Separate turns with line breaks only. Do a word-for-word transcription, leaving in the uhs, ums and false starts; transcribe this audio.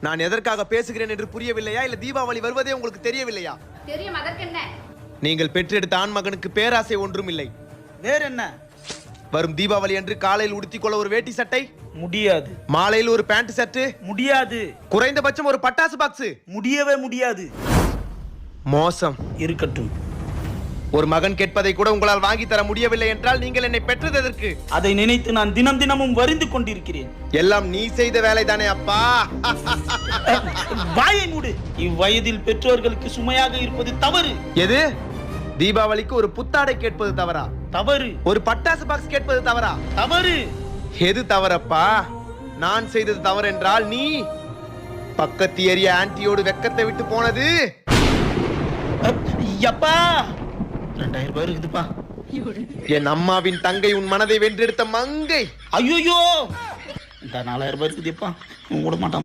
நான் எதற்காக பேசுகிறேன் என்று புரியவில்லையா? இல்ல தீபாவளி வருவதே உங்களுக்கு தெரியவில்லையா?
தெரியும், அதற்கென்ன?
நீங்கள் பெற்றெடுத்த ஆண் மகனுக்கு பேராசை ஒன்றும் இல்லை.
வேற என்ன?
வரும் தீபாவளி அன்று காலையில் உடுத்திக்கொள்ள ஒரு வேட்டி சட்டை
முடியாது.
மாலையில் ஒரு பேண்ட் சட்டு
முடியாது.
குறைந்தபட்சம் ஒரு பட்டாசு பாக்ஸ்
முடியவே முடியாது.
மோசம்.
இருக்கட்டும்.
ஒரு மகன் கேட்பதை கூட உங்களால் வாங்கி தர முடியவில்லை என்றால் நீங்கள் என்னை பெற்றது எதற்கு?
அதை நினைத்து நான் தினம் தினமும் வருந்து கொண்டிருக்கிறேன்.
எல்லாம் நீ செய்த வேலைதானே அப்பா.
வாயை மூடு. இவ்வயதில் பெற்றோர்களுக்கு சுமையாக இருப்பது தவறு.
எது? தீபாவளிக்கு ஒரு புத்தாடை கேட்பது தவறா?
தவறு.
ஒரு பட்டாசு பாக்ஸ் கேட்பது தவறா?
தவறு.
எது தவறப்பா? நான் செய்தது தவறு என்றால் நீ பக்கத்து ஏரியா ஆன்ட்டியோடு வெக்கத்தை விட்டு போனது.
அப்பா ரெண்டாயிரம் ரூபாய் இருக்குதுப்பா.
என் அம்மாவின் தங்கை உன் மனதை வென்றெடுத்த மங்கை.
ஐயோ இந்த நாலாயிரம் ரூபாய் இருக்குதுப்பா. விட மாட்டான்.